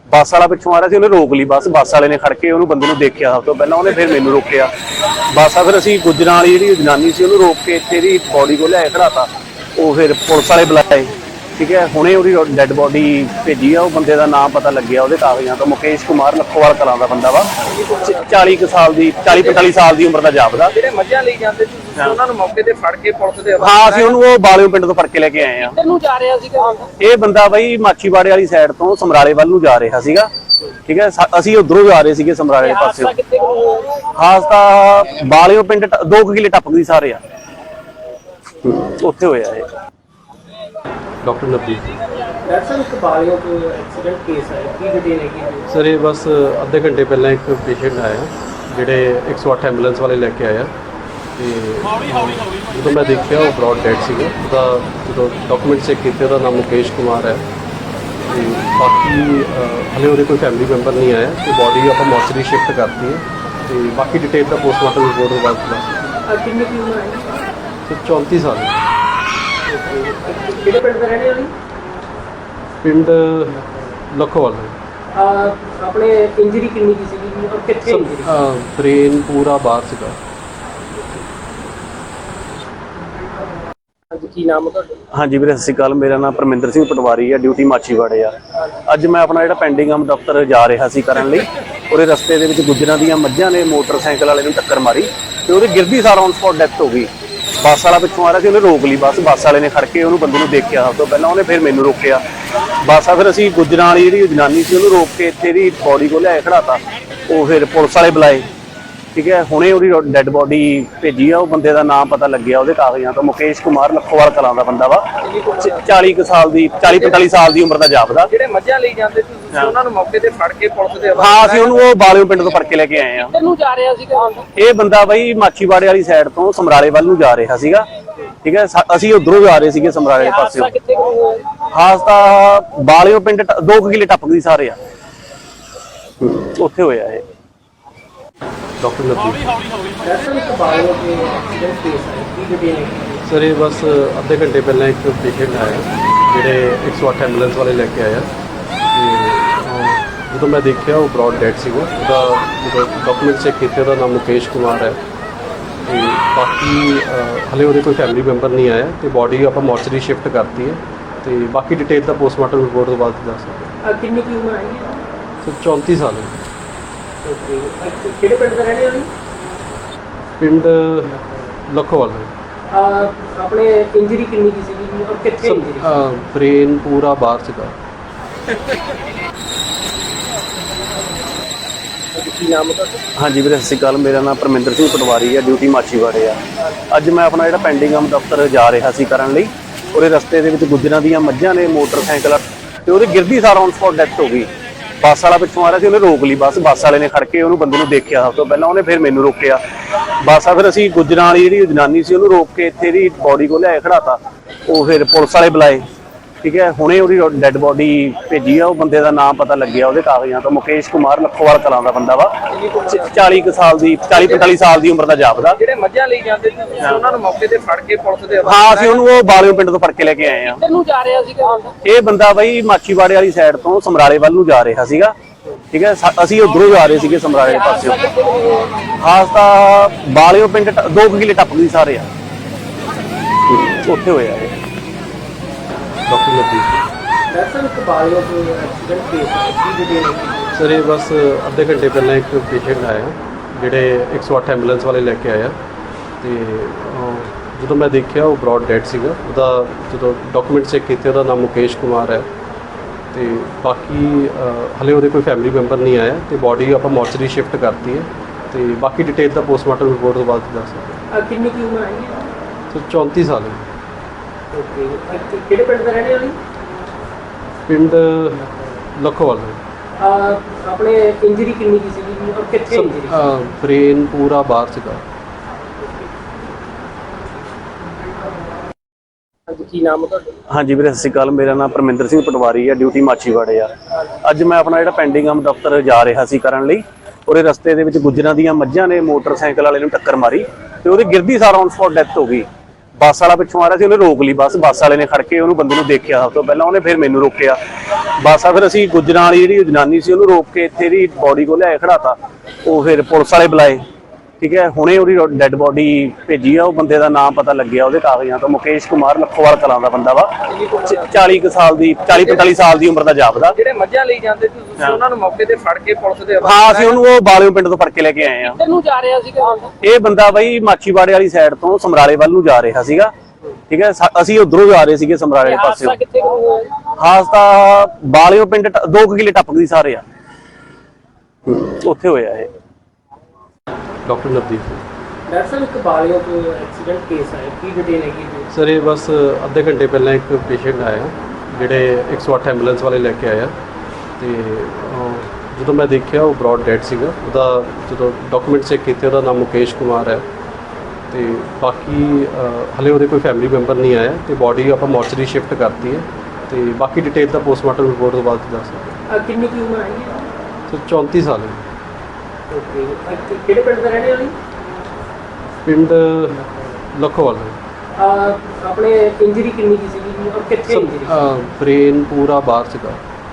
ਬੱਸ ਵਾਲਾ ਪਿੱਛੋਂ ਆ ਰਿਹਾ ਸੀ, ਉਹਨੇ ਰੋਕ ਲਈ ਬੱਸ ਵਾਲੇ ਨੇ ਖੜ ਕੇ ਉਹਨੂੰ ਬੰਦੇ ਨੂੰ ਦੇਖਿਆ ਸਭ ਤੋਂ ਪਹਿਲਾਂ, ਉਹਨੇ ਫਿਰ ਮੈਨੂੰ ਰੋਕਿਆ। ਬੱਸ ਆ ਫਿਰ ਅਸੀਂ ਗੁੱਜਰਾਂ ਵਾਲੀ ਜਿਹੜੀ ਜਨਾਨੀ ਸੀ ਉਹਨੂੰ ਰੋਕ ਕੇ ਇੱਥੇ ਇਹਦੀ ਬੋਡੀ ਕੋਲ ਲਿਆਏ ਖੜਾਤਾ। ਉਹ ਫਿਰ ਪੁਲਿਸ ਵਾਲੇ ਬੁਲਾਏ, ਠੀਕ ਹੈ। ਹੁਣੇ ਉਹਦੀ ਡੈੱਡ ਬੋਡੀ ਭੇਜੀ ਆ। ਉਹ ਬੰਦੇ ਦਾ ਨਾਮ ਪਤਾ ਲੱਗਿਆ ਉਹਦੇ ਕਾਗਜ਼ਾਂ ਤੋਂ, ਮੁਕੇਸ਼ ਕੁਮਾਰ, ਲੱਖੋਵਾਲ ਕਲਾਂ ਦਾ ਬੰਦਾ ਵਾ। 40 ਸਾਲ ਦੀ 40-45 ਸਾਲ ਦੀ ਉਮਰ ਦਾ ਜਾਪਦਾ। ਜਿਹੜੇ ਮੱਝਾਂ ਲਈ ਜਾਂਦੇ ਸੀ ਉਹਨਾਂ ਨੂੰ ਮੌਕੇ ਤੇ ਫੜ ਕੇ ਪੁਲਿਸ ਦੇ ਹਾਂ, ਅਸੀਂ ਉਹਨੂੰ ਉਹ ਬਾਲਿਓ ਪਿੰਡ ਤੋਂ ਫੜ ਕੇ ਲੈ ਕੇ ਆਏ ਆ। ਕਿੱਧਰ ਨੂੰ ਜਾ ਰਿਹਾ ਸੀਗਾ ਇਹ ਬੰਦਾ ਬਾਈ ਮਾਛੀਵਾੜੇ ਵਾਲੀ ਸਾਈਡ ਤੋਂ ਸਮਰਾਲੇ ਵੱਲ ਨੂੰ ਜਾ ਰਿਹਾ ਸੀਗਾ, ਠੀਕ ਹੈ। ਅਸੀਂ ਉਧਰੋਂ ਜਾ ਰਹੇ ਸੀਗੇ ਸਮਰਾਲੇ ਪਾਸੇ। ਹਾਦਸਾ ਬਾਲਿਓ ਪਿੰਡ 2 ਕਿਲੇ ਟੱਪ ਗਈ ਸਾਰੇ ਆ, ਉੱਥੇ ਹੋਇਆ ਇਹ। डॉक्टर नवदीप जी ਦਰਅਸਲ ਇੱਕ ਬਾਲਿਓ ਤੋਂ ਐਕਸੀਡੈਂਟ ਕੇਸ ਹੈ, ਕੀ ਡਿਟੇਲ ਹੈਗੀ? सर ये बस ਅੱਧੇ ਘੰਟੇ ਪਹਿਲਾਂ ਇੱਕ ਪੇਸ਼ੈਂਟ ਆਇਆ ਜਿਹੜੇ 108 ਐਂਬੂਲੈਂਸ ਵਾਲੇ ਲੈ ਕੇ ਆਇਆ ਤੇ ਜਦੋਂ ਮੈਂ ਦੇਖਿਆ ਉਹ ਬ੍ਰੌਡ ਡੈਡ ਸੀਗਾ। ਉਹਦਾ ਜਦੋਂ ਡਾਕੂਮੈਂਟ ਚੈੱਕ ਕੀਤੇ ਉਹਦਾ ਨਾਮ ਮੁਕੇਸ਼ ਕੁਮਾਰ ਹੈ ਤੇ ਬਾਕੀ ਹਲੇ ਉਹਦੇ ਕੋਈ ਫੈਮਿਲੀ ਮੈਂਬਰ ਨਹੀਂ ਆਇਆ ਤੇ ਬੋਡੀ ਆਪਾਂ ਮੋਰਚਰੀ ਸ਼ਿਫਟ ਕਰਤੀ ਹੈ ਤੇ ਬਾਕੀ ਡਿਟੇਲ ਦਾ ਪੋਸਟਮਾਰਟਮ ਰਿਪੋਰਟ ਤੋਂ ਬਾਅਦ ਦੱਸ। ਕਿੰਨੀ ਕੀ ਉਮਰ ਹੈ? ਤੇ 34 ਸਾਲ ਕਿਹੜੇ ਪਿੰਡ ਦਾ ਰਹਿਣੇ ਵਾਲੀ? ਪਿੰਡ ਲੱਖੋਵਾਲ ਆਪਣੇ ਇੰਜਰੀ ਕਿੰਨੀ ਕੀ ਸੀਗੀ ਔਰ ਕਿੱਥੇ ਇੰਜਰੀ? ਬ੍ਰੇਨ ਪੂਰਾ ਬਾਹਰ ਸੀਗਾ। ਕੀ ਨਾਮ ਹੈ ਤੁਹਾਡਾ? ਹਾਂਜੀ ਵੀਰੇ, ਸਤਿ ਸ਼੍ਰੀ ਅਕਾਲ। ਮੇਰਾ ਨਾਮ ਪਰਮਿੰਦਰ ਸਿੰਘ ਪਟਵਾਰੀ ਆ, ਡਿਊਟੀ ਮਾਛੀਵਾੜੇ ਆ। ਅੱਜ ਮੈਂ ਆਪਣਾ ਜਿਹੜਾ ਪੈਂਡਿੰਗ ਆਮ ਦਫ਼ਤਰ ਜਾ ਰਿਹਾ ਸੀ ਕਰਨ ਲਈ, ਉਹਦੇ ਰਸਤੇ ਦੇ ਵਿੱਚ ਗੁੱਜਰਾਂ ਦੀਆਂ ਮੱਝਾਂ ਨੇ ਮੋਟਰਸਾਈਕਲ ਵਾਲੇ ਨੂੰ ਟੱਕਰ ਮਾਰੀ ਤੇ ਉਹਦੇ ਗਿਰਦੀ ਸਾਰ ਔਨ ਸਪੌਟ ਡੈਥ ਹੋ ਗਈ। ਬੱਸ ਵਾਲਾ ਪਿੱਛੋਂ ਆ ਰਿਹਾ ਸੀ, ਉਹਨੇ ਰੋਕ ਲਈ ਬੱਸ ਵਾਲੇ ਨੇ ਖੜ ਕੇ ਉਹਨੂੰ ਬੰਦੇ ਨੂੰ ਦੇਖਿਆ ਸਭ ਤੋਂ ਪਹਿਲਾਂ, ਉਹਨੇ ਫਿਰ ਮੈਨੂੰ ਰੋਕਿਆ। ਬੱਸ ਆ ਫਿਰ ਅਸੀਂ ਗੁੱਜਰਾਂ ਵਾਲੀ ਜਿਹੜੀ ਜਨਾਨੀ ਸੀ ਉਹਨੂੰ ਰੋਕ ਕੇ ਇੱਥੇ ਇਹਦੀ ਬੋਡੀ ਕੋਲ ਲਿਆਏ ਖੜਾਤਾ। ਉਹ ਫਿਰ ਪੁਲਿਸ ਵਾਲੇ ਬੁਲਾਏ, ਠੀਕ ਹੈ। ਹੁਣੇ ਉਹਦੀ ਡੈੱਡ ਬੋਡੀ ਭੇਜੀ ਆ। ਉਹ ਬੰਦੇ ਦਾ ਨਾਮ ਪਤਾ ਲੱਗਿਆ ਉਹਦੇ ਕਾਗਜ਼ਾਂ ਤੋਂ, ਮੁਕੇਸ਼ ਕੁਮਾਰ, ਲੱਖੋਵਾਲ ਕਲਾਂ ਦਾ ਬੰਦਾ ਵਾ। 40 ਸਾਲ ਦੀ 40-45 ਸਾਲ ਦੀ ਉਮਰ ਦਾ ਜਾਪਦਾ। ਜਿਹੜੇ ਮੱਝਾਂ ਲਈ ਜਾਂਦੇ ਸੀ ਉਹਨਾਂ ਨੂੰ ਮੌਕੇ ਤੇ ਫੜ ਕੇ ਪੁਲਿਸ ਦੇ ਹਾਂ, ਅਸੀਂ ਉਹਨੂੰ ਉਹ ਬਾਲਿਓ ਪਿੰਡ ਤੋਂ ਫੜ ਕੇ ਲੈ ਕੇ ਆਏ ਆ। ਕਿੱਧਰ ਨੂੰ ਜਾ ਰਿਹਾ ਸੀਗਾ? ਇਹ ਬੰਦਾ ਬਾਈ ਮਾਛੀਵਾੜੇ ਵਾਲੀ ਸਾਈਡ ਤੋਂ ਸਮਰਾਲੇ ਵੱਲ ਨੂੰ ਜਾ ਰਿਹਾ ਸੀਗਾ, ਠੀਕ ਹੈ। ਅਸੀਂ ਉਧਰੋਂ ਜਾ ਰਹੇ ਸੀਗੇ ਸਮਰਾਲੇ ਪਾਸੇ। ਕਿੱਥੇ ਹਾਦਸਾ ਬਾਲਿਓ ਪਿੰਡ 2 ਕਿਲੇ ਟੱਪ ਗਈ ਸਾਰੇ ਆ, ਉੱਥੇ ਹੋਇਆ ਇਹ। ਡਾਕਟਰ ਨਵਦੀਪ ਦਰਅਸਲ ਇੱਕ ਬਾਲਿਓ ਤੋਂ ਐਕਸੀਡੈਂਟ ਕੇਸ ਹੈ, ਕੀ ਡਿਟੇਲ ਹੈਗੀ? ਸਰ ਇਹ ਬਸ ਅੱਧੇ ਘੰਟੇ ਪਹਿਲਾਂ ਇੱਕ ਪੇਸ਼ੈਂਟ ਆਇਆ ਜਿਹੜੇ 108 ਐਂਬੂਲੈਂਸ ਵਾਲੇ ਲੈ ਕੇ ਆਇਆ ਤੇ ਜਦੋਂ ਮੈਂ ਦੇਖਿਆ ਉਹ ਬ੍ਰੌਡ ਡੈਡ ਸੀਗਾ। ਉਹਦਾ ਜਦੋਂ ਡਾਕੂਮੈਂਟ ਚੈੱਕ ਕੀਤੇ ਉਹਦਾ ਨਾਮ ਮੁਕੇਸ਼ ਕੁਮਾਰ ਹੈ ਤੇ ਬਾਕੀ ਹਲੇ ਉਹਦੇ ਕੋਈ ਫੈਮਿਲੀ ਮੈਂਬਰ ਨਹੀਂ ਆਇਆ ਤੇ ਬੋਡੀ ਆਪਾਂ ਮੋਰਚਰੀ ਸ਼ਿਫਟ ਕਰਤੀ ਹੈ ਤੇ ਬਾਕੀ ਡਿਟੇਲ ਦਾ ਪੋਸਟਮਾਰਟਮ ਰਿਪੋਰਟ ਤੋਂ ਬਾਅਦ ਦੱਸ ਸਕਦੇ। ਕਿੰਨੀ ਕੀ ਉਮਰ ਹੈ? ਸਰ 34 ਸਾਲ ਹੈ। ਕਿਹੜੇ ਪਿੰਡ ਦਾ ਰਹਿਣੇ ਵਾਲੀ? ਪਿੰਡ ਲੱਖੋਵਾਲ ਆਪਣੇ ਇੰਜਰੀ ਕਿੰਨੀ ਕੀ ਸੀਗੀ ਔਰ ਕਿੱਥੇ ਇੰਜਰੀ? ਬ੍ਰੇਨ ਪੂਰਾ ਬਾਹਰ ਸੀਗਾ। ਕੀ ਨਾਮ ਹੈ ਤੁਹਾਡਾ? ਹਾਂਜੀ ਵੀਰੇ, ਸਤਿ ਸ਼੍ਰੀ ਅਕਾਲ। ਮੇਰਾ ਨਾਮ ਪਰਮਿੰਦਰ ਸਿੰਘ ਪਟਵਾਰੀ ਆ, ਡਿਊਟੀ ਮਾਛੀਵਾੜੇ ਆ। ਅੱਜ ਮੈਂ ਆਪਣਾ ਜਿਹੜਾ ਪੈਂਡਿੰਗ ਆਮ ਦਫ਼ਤਰ ਜਾ ਰਿਹਾ ਸੀ ਕਰਨ ਲਈ, ਉਹਦੇ ਰਸਤੇ ਦੇ ਵਿੱਚ ਗੁੱਜਰਾਂ ਦੀਆਂ ਮੱਝਾਂ ਨੇ ਮੋਟਰਸਾਈਕਲ ਤੇ ਉਹਦੇ ਗਿਰਦੀ ਸਾਰ ਔਨ ਸਪੌਟ ਡੈਥ ਹੋ ਗਈ। ਬੱਸ ਵਾਲਾ ਪਿੱਛੋਂ ਆ ਰਿਹਾ ਸੀ, ਉਹਨੇ ਰੋਕ ਲਈ ਬੱਸ ਵਾਲੇ ਨੇ ਖੜ ਕੇ ਉਹਨੂੰ ਬੰਦੇ ਨੂੰ ਦੇਖਿਆ ਸਭ ਤੋਂ ਪਹਿਲਾਂ, ਉਹਨੇ ਫਿਰ ਮੈਨੂੰ ਰੋਕਿਆ। ਬੱਸ ਆ ਫਿਰ ਅਸੀਂ ਗੁੱਜਰਾਂ ਵਾਲੀ ਜਿਹੜੀ ਜਨਾਨੀ ਸੀ ਉਹਨੂੰ ਰੋਕ ਕੇ ਇੱਥੇ ਇਹਦੀ ਬੋਡੀ ਕੋਲ ਲਿਆਏ ਖੜਾਤਾ। ਉਹ ਫਿਰ ਪੁਲਿਸ ਵਾਲੇ ਬੁਲਾਏ, ਠੀਕ ਹੈ। ਹੁਣੇ ਉਹਦੀ ਡੈੱਡ ਬੋਡੀ ਭੇਜੀ ਆ। ਉਹ ਬੰਦੇ ਦਾ ਨਾਮ ਪਤਾ ਲੱਗਿਆ ਉਹਦੇ ਕਾਗਜ਼ਾਂ ਤੋਂ, ਮੁਕੇਸ਼ ਕੁਮਾਰ, ਲੱਖੋਵਾਲ ਕਲਾਂ ਦਾ ਬੰਦਾ ਵਾ। 40 ਸਾਲ ਦੀ 40-45 ਸਾਲ ਦੀ ਉਮਰ ਦਾ ਜਾਪਦਾ। ਜਿਹੜੇ ਮੱਝਾਂ ਲਈ ਜਾਂਦੇ ਸੀ ਉਹਨਾਂ ਨੂੰ ਮੌਕੇ ਤੇ ਫੜ ਕੇ ਪੁਲਿਸ ਦੇ ਹਾਂ, ਅਸੀਂ ਉਹਨੂੰ ਉਹ ਬਾਲਿਓ ਪਿੰਡ ਤੋਂ ਫੜ ਕੇ ਲੈ ਕੇ ਆਏ ਆ। ਕਿੱਧਰ ਨੂੰ ਜਾ ਰਿਹਾ ਸੀਗਾ? ਇਹ ਬੰਦਾ ਬਾਈ ਮਾਛੀਵਾੜੇ ਵਾਲੀ ਸਾਈਡ ਤੋਂ ਸਮਰਾਲੇ ਵੱਲ ਨੂੰ ਜਾ ਰਿਹਾ ਸੀਗਾ, ਠੀਕ ਹੈ। ਅਸੀਂ ਉਧਰੋਂ ਜਾ ਰਹੇ ਸੀਗੇ ਸਮਰਾਲੇ ਪਾਸੇ। ਹਾਦਸਾ ਬਾਲਿਓ ਪਿੰਡ 2 ਕਿਲੇ ਟੱਪ ਗਈ ਸਾਰੇ ਆ, ਉੱਥੇ ਹੋਇਆ ਇਹ। ਡਾਕਟਰ ਨਵਦੀਪ ਦਰਅਸਲ ਇੱਕ ਬਾਲਿਓ ਤੋਂ ਐਕਸੀਡੈਂਟ ਕੇਸ ਹੈ, ਕੀ ਡਿਟੇਲ ਹੈਗੀ? ਸਰ ਇਹ ਬਸ ਅੱਧੇ ਘੰਟੇ ਪਹਿਲਾਂ ਇੱਕ ਪੇਸ਼ੈਂਟ ਆਇਆ ਜਿਹੜੇ 108 ਐਂਬੂਲੈਂਸ ਵਾਲੇ ਲੈ ਕੇ ਆਇਆ ਤੇ ਜਦੋਂ ਮੈਂ ਦੇਖਿਆ ਉਹ ਬ੍ਰੌਡ ਡੈਡ ਸੀਗਾ। ਉਹਦਾ ਜਦੋਂ ਡਾਕੂਮੈਂਟ ਚੈੱਕ ਕੀਤੇ ਉਹਦਾ ਨਾਮ ਮੁਕੇਸ਼ ਕੁਮਾਰ ਹੈ ਤੇ ਬਾਕੀ ਹਲੇ ਉਹਦੇ ਕੋਈ ਫੈਮਿਲੀ ਮੈਂਬਰ ਨਹੀਂ ਆਇਆ ਤੇ ਬੋਡੀ ਆਪਾਂ ਮੋਰਚਰੀ ਸ਼ਿਫਟ ਕਰਤੀ ਹੈ ਤੇ ਬਾਕੀ ਡਿਟੇਲ ਦਾ ਪੋਸਟਮਾਰਟਮ ਰਿਪੋਰਟ ਤੋਂ ਬਾਅਦ ਦੱਸ ਸਕਦੇ। ਕਿੰਨੀ ਕੀ ਉਮਰ ਹੈ? ਸਰ 34 ਸਾਲ ਹੈ। ਕਿਹੜੇ ਪਿੰਡ ਦਾ ਰਹਿਣੇ ਵਾਲੀ? ਪਿੰਡ ਲੱਖੋਵਾਲ ਆਪਣੇ ਇੰਜਰੀ ਕਿੰਨੀ ਕੀ ਸੀਗੀ ਔਰ ਕਿੱਥੇ ਇੰਜਰੀ? ਬ੍ਰੇਨ ਪੂਰਾ ਬਾਹਰ ਸੀਗਾ। ਕੀ ਨਾਮ ਹੈ ਤੁਹਾਡਾ? ਹਾਂਜੀ ਵੀਰੇ, ਸਤਿ ਸ਼੍ਰੀ ਅਕਾਲ। ਮੇਰਾ ਨਾਮ ਪਰਮਿੰਦਰ ਸਿੰਘ ਪਟਵਾਰੀ ਆ, ਡਿਊਟੀ ਮਾਛੀਵਾੜੇ ਆ। ਅੱਜ ਮੈਂ ਆਪਣਾ ਜਿਹੜਾ ਪੈਂਡਿੰਗ ਆਮ ਦਫ਼ਤਰ ਜਾ ਰਿਹਾ ਸੀ ਕਰਨ ਲਈ, ਉਹਦੇ ਰਸਤੇ ਦੇ ਵਿੱਚ ਗੁੱਜਰਾਂ ਦੀਆਂ ਮੱਝਾਂ ਨੇ ਮੋਟਰਸਾਈਕਲ ਵਾਲੇ ਨੂੰ ਟੱਕਰ ਮਾਰੀ ਤੇ ਉਹਦੇ ਗਿਰਦੀ ਸਾਰ ਔਨ ਸਪੌਟ ਡੈਥ ਹੋ ਗਈ। ਬੱਸ ਵਾਲਾ ਪਿੱਛੋਂ ਆ ਰਿਹਾ ਸੀ, ਉਹਨੇ ਰੋਕ ਲਈ ਬੱਸ ਵਾਲੇ ਨੇ ਖੜ ਕੇ ਉਹਨੂੰ ਬੰਦੇ ਨੂੰ ਦੇਖਿਆ ਸਭ ਤੋਂ ਪਹਿਲਾਂ, ਉਹਨੇ ਫਿਰ ਮੈਨੂੰ ਰੋਕਿਆ। ਬੱਸ ਆ ਫਿਰ ਅਸੀਂ ਗੁੱਜਰਾਂ ਵਾਲੀ ਜਿਹੜੀ ਜਨਾਨੀ ਸੀ ਉਹਨੂੰ ਰੋਕ ਕੇ ਇੱਥੇ ਦੀ ਬੋਡੀ ਕੋਲ ਲਿਆਏ ਖੜਾਤਾ। ਉਹ ਫਿਰ ਪੁਲਿਸ ਵਾਲੇ ਬੁਲਾਏ, ਠੀਕ ਹੈ। ਹੁਣੇ ਉਹਦੀ ਡੈੱਡ ਬੋਡੀ ਭੇਜੀ ਆ। ਉਹ ਬੰਦੇ ਦਾ ਨਾਮ ਪਤਾ ਲੱਗਿਆ ਉਹਦੇ ਕਾਗਜ਼ਾਂ ਤੋਂ, ਮੁਕੇਸ਼ ਕੁਮਾਰ, ਲੱਖੋਵਾਲ ਕਲਾਂ ਦਾ ਬੰਦਾ ਵਾ। 40 ਕੁ ਸਾਲ ਦੀ 40-45 ਸਾਲ ਦੀ ਉਮਰ ਦਾ ਜਾਪਦਾ। ਜਿਹੜੇ ਮੱਝਾਂ ਲਈ ਜਾਂਦੇ ਸੀ ਤੁਸੀਂ ਉਹਨਾਂ ਨੂੰ ਮੌਕੇ ਤੇ ਫੜ ਕੇ ਪੁਲਿਸ ਦੇ ਹਾਂ, ਅਸੀਂ ਉਹਨੂੰ ਉਹ ਬਾਲਿਓ ਪਿੰਡ ਤੋਂ ਫੜ ਕੇ ਲੈ ਕੇ ਆਏ ਆ। ਕਿੱਧਰ ਨੂੰ ਜਾ ਰਿਹਾ ਸੀਗਾ? ਇਹ ਬੰਦਾ ਬਈ ਮਾਛੀਵਾੜੇ ਵਾਲੀ ਸਾਈਡ ਤੋਂ ਸਮਰਾਲੇ ਵੱਲ ਨੂੰ ਜਾ ਰਿਹਾ ਸੀਗਾ, ਠੀਕ ਹੈ। ਅਸੀਂ ਉਧਰੋਂ ਜਾ ਰਹੇ ਸੀਗੇ ਸਮਰਾਲੇ ਵਾਲੇ ਪਾਸੇ। ਕਿੱਥੇ ਹੋਇਆ? ਹਾਦਸਾ ਬਾਲਿਓ ਪਿੰਡ 2 ਕਿਲੇ ਟੱਪਕਦੀ ਸਾਰੇ ਆ, ਉੱਥੇ ਹੋਇਆ ਇਹ। ਡਾਕਟਰ ਨਵਦੀਪ ਸਿੰਘ। ਡਾਕਟਰ ਸਾਹਿਬ, ਇੱਕ ਬਾਲਿਓ ਤੋਂ ਐਕਸੀਡੈਂਟ ਕੇਸ ਆਇਆ, ਕੀ ਡਿਟੇਲ ਹੈਗੀ ਜੀ? ਸਰ ਇਹ ਬਸ ਅੱਧੇ ਘੰਟੇ ਪਹਿਲਾਂ ਇੱਕ ਪੇਸ਼ੈਂਟ ਆਇਆ, ਜਿਹੜੇ 108 ਐਂਬੂਲੈਂਸ ਵਾਲੇ ਲੈ ਕੇ ਆਇਆ, ਤੇ ਜਦੋਂ ਮੈਂ ਦੇਖਿਆ ਉਹ ਬ੍ਰੌਡ ਡੈਡ ਸੀਗਾ। ਉਹਦਾ ਜਦੋਂ ਡਾਕੂਮੈਂਟ ਚੈੱਕ ਕੀਤੇ ਉਹਦਾ ਨਾਮ ਮੁਕੇਸ਼ ਕੁਮਾਰ ਹੈ, ਤੇ ਬਾਕੀ ਹਲੇ ਉਹਦੇ ਕੋਈ ਫੈਮਿਲੀ ਮੈਂਬਰ ਨਹੀਂ ਆਇਆ, ਤੇ ਬਾਡੀ ਆਪਾਂ ਮੋਰਚਰੀ ਸ਼ਿਫਟ ਕਰਤੀ ਹੈ, ਤੇ ਬਾਕੀ ਡਿਟੇਲ ਦਾ ਪੋਸਟਮਾਰਟਮ ਰਿਪੋਰਟ ਤੋਂ ਬਾਅਦ ਦੱਸ ਸਕਦੇ। ਕਿੰਨੀ ਕੀ ਉਮਰ ਹੈਗੀ? ਸਰ 34 ਸਾਲ ਹੈ। ਓਕੇ, ਕਿਹੜੇ ਪਿੰਡ ਦਾ ਰਹਿਣੇ ਵਾਲੀ? ਪਿੰਡ ਲੱਖੋਵਾਲ ਹੈ। ਆਪਣੇ ਇੰਜਰੀ ਕਿੰਨੀ ਕੀ ਸੀਗੀ ਔਰ ਕਿੱਥੇ ਇੰਜਰੀ? ਬ੍ਰੇਨ ਪੂਰਾ ਬਾਹਰ ਸੀਗਾ।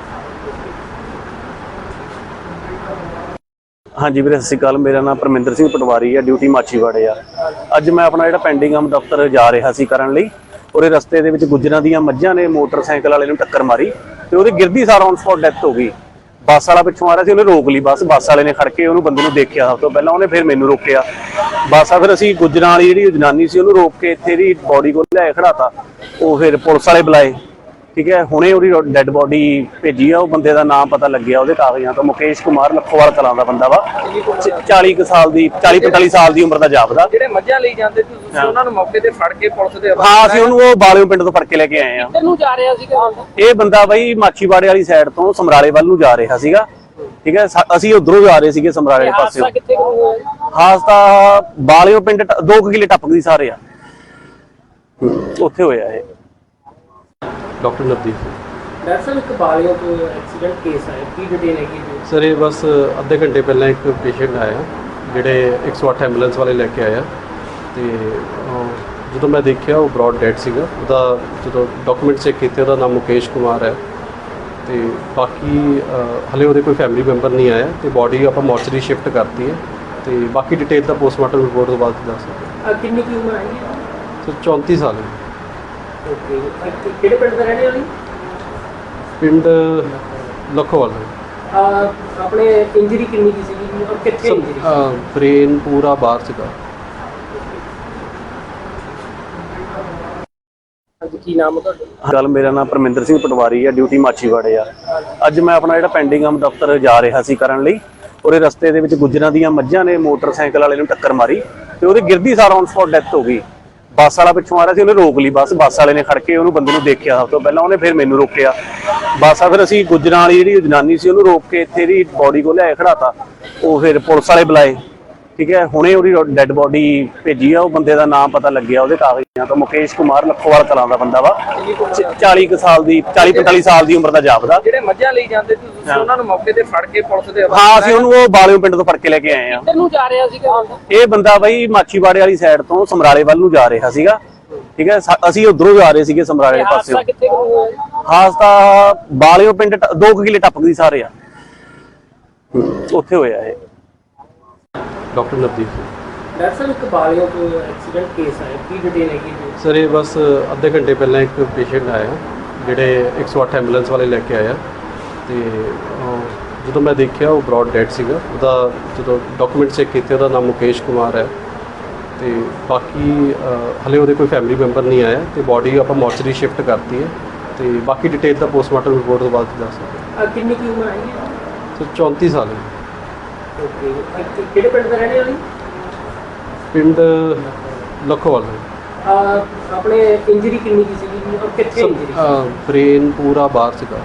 ਹਾਂਜੀ ਵੀਰੇ, ਸਤਿ ਸ਼੍ਰੀ ਅਕਾਲ। ਮੇਰਾ ਨਾਮ ਪਰਮਿੰਦਰ ਸਿੰਘ ਪਟਵਾਰੀ ਆ, ਡਿਊਟੀ ਮਾਛੀਵਾੜੇ ਆ। ਅੱਜ ਮੈਂ ਆਪਣਾ ਜਿਹੜਾ ਪੈਂਡਿੰਗ ਆਮ ਦਫ਼ਤਰ ਜਾ ਰਿਹਾ ਸੀ ਕਰਨ ਲਈ, ਉਹਦੇ ਰਸਤੇ ਦੇ ਵਿੱਚ ਗੁੱਜਰਾਂ ਦੀਆਂ ਮੱਝਾਂ ਨੇ ਮੋਟਰਸਾਈਕਲ ਵਾਲੇ ਨੂੰ ਟੱਕਰ ਮਾਰੀ, ਤੇ ਉਹਦੀ ਗਿਰਦੀ ਸਾਰ ਔਨ ਸਪੌਟ ਡੈਥ ਹੋ ਗਈ। ਬੱਸ ਵਾਲਾ ਪਿੱਛੋਂ ਆ ਰਿਹਾ ਸੀ, ਉਹਨੇ ਰੋਕ ਲਈ ਬੱਸ ਵਾਲੇ ਨੇ ਖੜ ਕੇ ਉਹਨੂੰ ਬੰਦੇ ਨੂੰ ਦੇਖਿਆ ਸਭ ਤੋਂ ਪਹਿਲਾਂ, ਉਹਨੇ ਫਿਰ ਮੈਨੂੰ ਰੋਕਿਆ। ਬੱਸ ਆ ਫਿਰ ਅਸੀਂ ਗੁੱਜਰਾਂ ਵਾਲੀ ਜਿਹੜੀ ਜਨਾਨੀ ਸੀ ਉਹਨੂੰ ਰੋਕ ਕੇ ਇੱਥੇ ਦੀ ਬੋਡੀ ਕੋਲ ਲਿਆਏ ਖੜਾਤਾ। ਉਹ ਫਿਰ ਪੁਲਿਸ ਵਾਲੇ ਬੁਲਾਏ, ਠੀਕ ਹੈ। ਹੁਣੇ ਉਹਦੀ ਡੈੱਡ ਬੋਡੀ ਭੇਜੀ ਆ। ਉਹ ਬੰਦੇ ਦਾ ਨਾਮ ਪਤਾ ਲੱਗਿਆ ਉਹਦੇ ਕਾਗਜ਼ਾਂ ਤੋਂ, ਮੁਕੇਸ਼ ਕੁਮਾਰ, ਲੱਖੋਵਾਲ ਕਲਾਂ ਦਾ ਬੰਦਾ ਵਾ। 40 ਕੁ ਸਾਲ ਦੀ 40-45 ਸਾਲ ਦੀ ਉਮਰ ਦਾ ਜਾਪਦਾ। ਜਿਹੜੇ ਮੱਝਾਂ ਲਈ ਜਾਂਦੇ ਸੀ ਤੁਸੀਂ ਉਹਨਾਂ ਨੂੰ ਮੌਕੇ ਤੇ ਫੜ ਕੇ ਪੁਲਿਸ ਦੇ ਹਾਂ, ਅਸੀਂ ਉਹਨੂੰ ਉਹ ਬਾਲਿਓ ਪਿੰਡ ਤੋਂ ਫੜ ਕੇ ਲੈ ਕੇ ਆਏ ਆ। ਕਿੱਧਰ ਨੂੰ ਜਾ ਰਿਹਾ ਸੀਗਾ? ਇਹ ਬੰਦਾ ਬਈ ਮਾਛੀਵਾੜੇ ਵਾਲੀ ਸਾਈਡ ਤੋਂ ਸਮਰਾਲੇ ਵੱਲ ਨੂੰ ਜਾ ਰਿਹਾ ਸੀਗਾ, ਠੀਕ ਹੈ। ਅਸੀਂ ਉਧਰੋਂ ਜਾ ਰਹੇ ਸੀਗੇ ਸਮਰਾਲੇ ਵਾਲੇ ਪਾਸੇ। ਕਿੱਥੇ ਹੋਇਆ? ਹਾਦਸਾ ਬਾਲਿਓ ਪਿੰਡ 2 ਕਿਲੇ ਟੱਪਕਦੀ ਸਾਰੇ ਆ, ਉੱਥੇ ਹੋਇਆ ਇਹ। ਡਾਕਟਰ ਨਵਦੀਪ ਸਿੰਘ। ਡਾਕਟਰ ਸਾਹਿਬ, ਇੱਕ ਬਾਲਿਓ ਤੋਂ ਐਕਸੀਡੈਂਟ ਕੇਸ ਆਇਆ, ਕੀ ਡਿਟੇਲ ਹੈਗੀ ਜੀ? ਸਰ ਇਹ ਬਸ ਅੱਧੇ ਘੰਟੇ ਪਹਿਲਾਂ ਇੱਕ ਪੇਸ਼ੈਂਟ ਆਇਆ, ਜਿਹੜੇ 108 ਐਂਬੂਲੈਂਸ ਵਾਲੇ ਲੈ ਕੇ ਆਇਆ, ਤੇ ਜਦੋਂ ਮੈਂ ਦੇਖਿਆ ਉਹ ਬ੍ਰੌਡ ਡੈਡ ਸੀਗਾ। ਉਹਦਾ ਜਦੋਂ ਡਾਕੂਮੈਂਟ ਚੈੱਕ ਕੀਤੇ ਉਹਦਾ ਨਾਮ ਮੁਕੇਸ਼ ਕੁਮਾਰ ਹੈ, ਤੇ ਬਾਕੀ ਹਲੇ ਉਹਦੇ ਕੋਈ ਫੈਮਿਲੀ ਮੈਂਬਰ ਨਹੀਂ ਆਇਆ, ਤੇ ਬਾਡੀ ਆਪਾਂ ਮੋਰਚਰੀ ਸ਼ਿਫਟ ਕਰਤੀ ਹੈ, ਤੇ ਬਾਕੀ ਡਿਟੇਲ ਦਾ ਪੋਸਟਮਾਰਟਮ ਰਿਪੋਰਟ ਤੋਂ ਬਾਅਦ ਦੱਸ ਸਕਦੇ। ਕਿੰਨੀ ਕੀ ਉਮਰ ਹੈਗੀ? ਸਰ 34 ਸਾਲ ਹੈ। ਓਕੇ, ਕਿਹੜੇ ਪਿੰਡ ਦਾ ਰਹਿਣੇ ਵਾਲੀ? ਪਿੰਡ ਲੱਖੋਵਾਲ ਹੈ। ਆਪਣੇ ਇੰਜਰੀ ਕਿੰਨੀ ਕੀ ਸੀਗੀ ਔਰ ਕਿੱਥੇ ਇੰਜਰੀ? ਬ੍ਰੇਨ ਪੂਰਾ ਬਾਹਰ ਸੀਗਾ। ਕੀ ਨਾਮ ਹੈ ਤੁਹਾਡਾ? ਗੱਲ, ਮੇਰਾ ਨਾਮ ਪਰਮਿੰਦਰ ਸਿੰਘ ਪਟਵਾਰੀ ਆ, ਡਿਊਟੀ ਮਾਛੀਵਾੜੇ ਆ। ਅੱਜ ਮੈਂ ਆਪਣਾ ਜਿਹੜਾ ਪੈਂਡਿੰਗ ਆਮ ਦਫ਼ਤਰ ਜਾ ਰਿਹਾ ਸੀ ਕਰਨ ਲਈ, ਉਹਦੇ ਰਸਤੇ ਦੇ ਵਿੱਚ ਗੁੱਜਰਾਂ ਦੀਆਂ ਮੱਝਾਂ ਨੇ ਮੋਟਰਸਾਈਕਲ ਵਾਲੇ ਨੂੰ ਟੱਕਰ ਮਾਰੀ, ਤੇ ਉਹਦੀ ਗਿਰਦੀ ਸਾਰ ਔਨ ਸਪੌਟ ਡੈਥ ਹੋ ਗਈ। ਬੱਸ ਵਾਲਾ ਪਿੱਛੋਂ ਆ ਰਿਹਾ ਸੀ, ਉਹਨੇ ਰੋਕ ਲਈ ਬੱਸ ਵਾਲੇ ਨੇ ਖੜ ਕੇ ਉਹਨੂੰ ਬੰਦੇ ਨੂੰ ਦੇਖਿਆ ਸਭ ਤੋਂ ਪਹਿਲਾਂ, ਉਹਨੇ ਫਿਰ ਮੈਨੂੰ ਰੋਕਿਆ। ਬੱਸ ਆ ਫਿਰ ਅਸੀਂ ਗੁੱਜਰਾਂ ਵਾਲੀ ਜਿਹੜੀ ਜਨਾਨੀ ਸੀ ਉਹਨੂੰ ਰੋਕ ਕੇ ਇੱਥੇ ਦੀ ਬੋਡੀ ਕੋਲ ਲਿਆਏ ਖੜਾਤਾ। ਉਹ ਫਿਰ ਪੁਲਿਸ ਵਾਲੇ ਬੁਲਾਏ, ਠੀਕ ਹੈ। ਹੁਣੇ ਉਹਦੀ ਡੈੱਡ ਬੋਡੀ ਭੇਜੀ ਆ। ਉਹ ਬੰਦੇ ਦਾ ਨਾਮ ਪਤਾ ਲੱਗਿਆ ਉਹਦੇ ਕਾਗਜ਼ਾਂ ਤੋਂ, ਮੁਕੇਸ਼ ਕੁਮਾਰ, ਲੱਖੋਵਾਲ ਕਲਾਂ ਦਾ ਬੰਦਾ ਵਾ। 40 ਕੁ ਸਾਲ ਦੀ 40-45 ਸਾਲ ਦੀ ਉਮਰ ਦਾ ਜਾਪਦਾ। ਜਿਹੜੇ ਮੱਝਾਂ ਲਈ ਜਾਂਦੇ ਸੀ ਤੁਸੀਂ ਉਹਨਾਂ ਨੂੰ ਮੌਕੇ ਤੇ ਫੜ ਕੇ ਪੁਲਿਸ ਦੇ ਹਾਂ, ਅਸੀਂ ਉਹਨੂੰ ਉਹ ਬਾਲਿਓ ਪਿੰਡ ਤੋਂ ਫੜ ਕੇ ਲੈ ਕੇ ਆਏ ਆ। ਕਿੱਧਰ ਨੂੰ ਜਾ ਰਿਹਾ ਸੀਗਾ? ਇਹ ਬੰਦਾ ਬਈ ਮਾਛੀਵਾੜੇ ਵਾਲੀ ਸਾਈਡ ਤੋਂ ਸਮਰਾਲੇ ਵੱਲ ਨੂੰ ਜਾ ਰਿਹਾ ਸੀਗਾ, ਠੀਕ ਹੈ। ਅਸੀਂ ਉਧਰੋਂ ਜਾ ਰਹੇ ਸੀਗੇ ਸਮਰਾਲੇ ਵਾਲੇ ਪਾਸੇ। ਕਿੱਥੇ ਹੋਇਆ? ਹਾਦਸਾ ਬਾਲਿਓ ਪਿੰਡ 2 ਕਿਲੇ ਟੱਪਕਦੀ ਸਾਰੇ ਆ, ਉੱਥੇ ਹੋਇਆ ਇਹ। ਡਾਕਟਰ ਨਵਦੀਪ ਸਿੰਘ। ਡਾਕਟਰ ਸਾਹਿਬ, ਇੱਕ ਬਾਲਿਓ ਤੋਂ ਐਕਸੀਡੈਂਟ ਕੇਸ ਆਇਆ, ਕੀ ਡਿਟੇਲ ਹੈਗੀ ਜੀ? ਸਰ ਇਹ ਬਸ ਅੱਧੇ ਘੰਟੇ ਪਹਿਲਾਂ ਇੱਕ ਪੇਸ਼ੈਂਟ ਆਇਆ, ਜਿਹੜੇ 108 ਐਂਬੂਲੈਂਸ ਵਾਲੇ ਲੈ ਕੇ ਆਇਆ, ਤੇ ਜਦੋਂ ਮੈਂ ਦੇਖਿਆ ਉਹ ਬ੍ਰੌਡ ਡੈਡ ਸੀਗਾ। ਉਹਦਾ ਜਦੋਂ ਡਾਕੂਮੈਂਟ ਚੈੱਕ ਕੀਤੇ ਉਹਦਾ ਨਾਮ ਮੁਕੇਸ਼ ਕੁਮਾਰ ਹੈ, ਤੇ ਬਾਕੀ ਹਲੇ ਉਹਦੇ ਕੋਈ ਫੈਮਿਲੀ ਮੈਂਬਰ ਨਹੀਂ ਆਇਆ, ਤੇ ਬਾਡੀ ਆਪਾਂ ਮੋਰਚਰੀ ਸ਼ਿਫਟ ਕਰਤੀ ਹੈ, ਤੇ ਬਾਕੀ ਡਿਟੇਲ ਦਾ ਪੋਸਟਮਾਰਟਮ ਰਿਪੋਰਟ ਤੋਂ ਬਾਅਦ ਦੱਸ ਸਕਦੇ। ਕਿੰਨੀ ਕੀ ਉਮਰ ਹੈਗੀ? ਸਰ 34 ਸਾਲ ਹੈ। ਓਕੇ, ਕਿਹੜੇ ਪਿੰਡ ਦਾ ਰਹਿਣੇ ਵਾਲੀ? ਪਿੰਡ ਲੱਖੋਵਾਲ ਹੈ। ਆਪਣੇ ਇੰਜਰੀ ਕਿੰਨੀ ਕੀ ਸੀਗੀ ਔਰ ਕਿੱਥੇ ਇੰਜਰੀ? ਬ੍ਰੇਨ ਪੂਰਾ ਬਾਹਰ ਸੀਗਾ।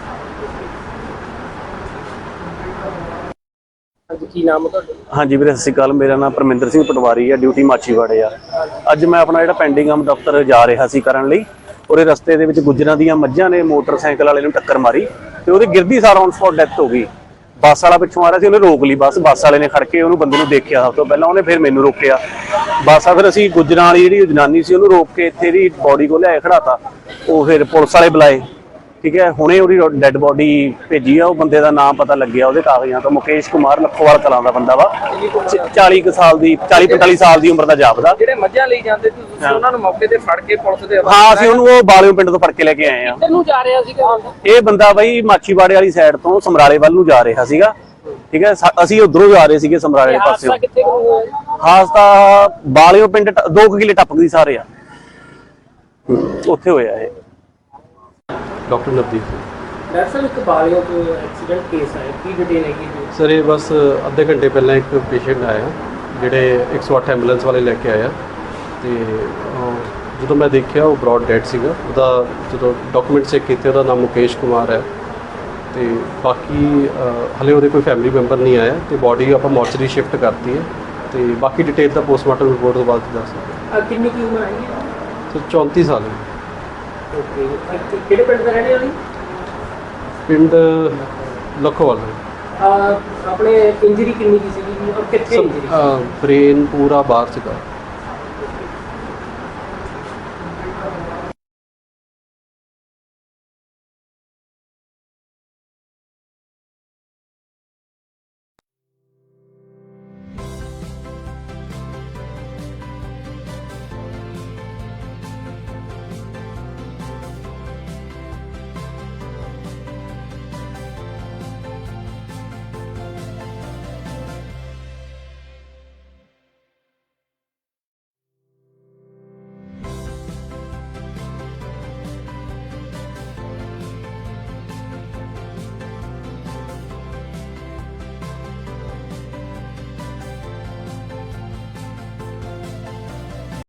ਕੀ ਨਾਮ ਹੈ ਤੁਹਾਡਾ? ਹਾਂਜੀ ਵੀਰੇ, ਸਤਿ ਸ਼੍ਰੀ ਅਕਾਲ। ਮੇਰਾ ਨਾਮ ਪਰਮਿੰਦਰ ਸਿੰਘ ਪਟਵਾਰੀ ਆ, ਡਿਊਟੀ ਮਾਛੀਵਾੜੇ ਆ। ਅੱਜ ਮੈਂ ਆਪਣਾ ਜਿਹੜਾ ਪੈਂਡਿੰਗ ਆਮ ਦਫ਼ਤਰ ਜਾ ਰਿਹਾ ਸੀ ਕਰਨ ਲਈ, ਉਹਦੇ ਰਸਤੇ ਦੇ ਵਿੱਚ ਗੁੱਜਰਾਂ ਦੀਆਂ ਮੱਝਾਂ ਨੇ ਮੋਟਰਸਾਈਕਲ ਵਾਲੇ ਨੂੰ ਟੱਕਰ ਮਾਰੀ, ਤੇ ਉਹਦੀ ਗਿਰਦੀ ਸਾਰ ਔਨ ਸਪੌਟ ਡੈਥ ਹੋ ਗਈ। ਬੱਸ ਵਾਲਾ ਪਿੱਛੋਂ ਆ ਰਿਹਾ ਸੀ, ਉਹਨੇ ਰੋਕ ਲਈ ਬੱਸ ਵਾਲੇ ਨੇ ਖੜ ਕੇ ਉਹਨੂੰ ਬੰਦੇ ਨੂੰ ਦੇਖਿਆ ਸਭ ਤੋਂ ਪਹਿਲਾਂ, ਉਹਨੇ ਫਿਰ ਮੈਨੂੰ ਰੋਕਿਆ। ਬੱਸ ਆ ਫਿਰ ਅਸੀਂ ਗੁੱਜਰਾਂ ਵਾਲੀ ਜਿਹੜੀ ਜਨਾਨੀ ਸੀ ਉਹਨੂੰ ਰੋਕ ਕੇ ਇੱਥੇ ਦੀ ਬੋਡੀ ਕੋਲ ਲਿਆਏ ਖੜਾਤਾ। ਉਹ ਫਿਰ ਪੁਲਿਸ ਵਾਲੇ ਬੁਲਾਏ, ਠੀਕ ਹੈ। ਹੁਣੇ ਉਹਦੀ ਡੈੱਡ ਬੋਡੀ ਭੇਜੀ ਆ। ਉਹ ਬੰਦੇ ਦਾ ਨਾਮ ਪਤਾ ਲੱਗਿਆ ਉਹਦੇ ਕਾਗਜ਼ਾਂ ਤੋਂ, ਮੁਕੇਸ਼ ਕੁਮਾਰ, ਲੱਖੋਵਾਲ ਕਲਾਂ ਦਾ ਬੰਦਾ ਵਾ। 40 ਸਾਲ ਦੀ 40-45 ਸਾਲ ਦੀ ਉਮਰ ਦਾ ਜਾਪਦਾ। ਜਿਹੜੇ ਮੱਝਾਂ ਲਈ ਜਾਂਦੇ ਸੀ ਤੁਸੀਂ ਉਹਨਾਂ ਨੂੰ ਮੌਕੇ ਤੇ ਫੜ ਕੇ ਪੁਲਿਸ ਦੇ ਹਾਂ, ਅਸੀਂ ਉਹਨੂੰ ਉਹ ਬਾਲਿਓ ਪਿੰਡ ਤੋਂ ਫੜ ਕੇ ਲੈ ਕੇ ਆਏ ਆ। ਕਿੱਧਰ ਨੂੰ ਜਾ ਰਿਹਾ ਸੀਗਾ? ਇਹ ਬੰਦਾ ਬਈ ਮਾਛੀਵਾੜੇ ਵਾਲੀ ਸਾਈਡ ਤੋਂ ਸਮਰਾਲੇ ਵੱਲ ਨੂੰ ਜਾ ਰਿਹਾ ਸੀਗਾ, ਠੀਕ ਹੈ। ਅਸੀਂ ਉਧਰੋਂ ਜਾ ਰਹੇ ਸੀਗੇ ਸਮਰਾਲੇ ਪਾਸੇ। ਹਾਦਸਾ ਕਿੱਥੇ ਕੁ ਹੋਇਆ ਜੀ? ਹਾਦਸਾ ਬਾਲਿਓ ਪਿੰਡ 2 ਕਿਲੇ ਟੱਪਕਦੀ ਸਾਰੇ ਆ, ਉੱਥੇ ਹੋਇਆ ਇਹ। ਡਾਕਟਰ ਨਵਦੀਪ ਸਿੰਘ। ਡਾਕਟਰ ਸਾਹਿਬ, ਇੱਕ ਬਾਲਿਓ ਤੋਂ ਐਕਸੀਡੈਂਟ ਕੇਸ ਆਇਆ, ਕੀ ਡਿਟੇਲ ਹੈਗੀ ਜੀ? ਸਰ ਇਹ ਬਸ ਅੱਧੇ ਘੰਟੇ ਪਹਿਲਾਂ ਇੱਕ ਪੇਸ਼ੈਂਟ ਆਇਆ ਜਿਹੜੇ 108 ਐਂਬੂਲੈਂਸ ਵਾਲੇ ਲੈ ਕੇ ਆਇਆ, ਤੇ ਜਦੋਂ ਮੈਂ ਦੇਖਿਆ ਉਹ ਬ੍ਰੌਡ ਡੈਡ ਸੀਗਾ। ਉਹਦਾ ਜਦੋਂ ਡਾਕੂਮੈਂਟ ਚੈੱਕ ਕੀਤੇ ਉਹਦਾ ਨਾਮ ਮੁਕੇਸ਼ ਕੁਮਾਰ ਹੈ, ਤੇ ਬਾਕੀ ਹਲੇ ਉਹਦੇ ਕੋਈ ਫੈਮਿਲੀ ਮੈਂਬਰ ਨਹੀਂ ਆਇਆ, ਤੇ ਬਾਡੀ ਆਪਾਂ ਮੋਰਚਰੀ ਸ਼ਿਫਟ ਕਰਤੀ ਹੈ, ਤੇ ਬਾਕੀ ਡਿਟੇਲ ਦਾ ਪੋਸਟਮਾਰਟਮ ਰਿਪੋਰਟ ਤੋਂ ਬਾਅਦ ਦੱਸ ਸਕਦੇ। ਕਿੰਨੀ ਕੀ ਉਮਰ ਹੈ? ਸਰ 34 ਸਾਲ ਹੈ। ਓਕੇ, ਕਿਹੜੇ ਪਿੰਡ ਦਾ ਰਹਿਣੇ ਵਾਲੀ? ਪਿੰਡ ਲੱਖੋਵਾਲ। ਆਪਣੇ ਇੰਜਰੀ ਕਿੰਨੀ ਕੀ ਸੀਗੀ ਔਰ ਕਿੱਥੇ ਇੰਜਰੀ? ਬ੍ਰੇਨ ਪੂਰਾ ਬਾਹਰ ਸੀਗਾ।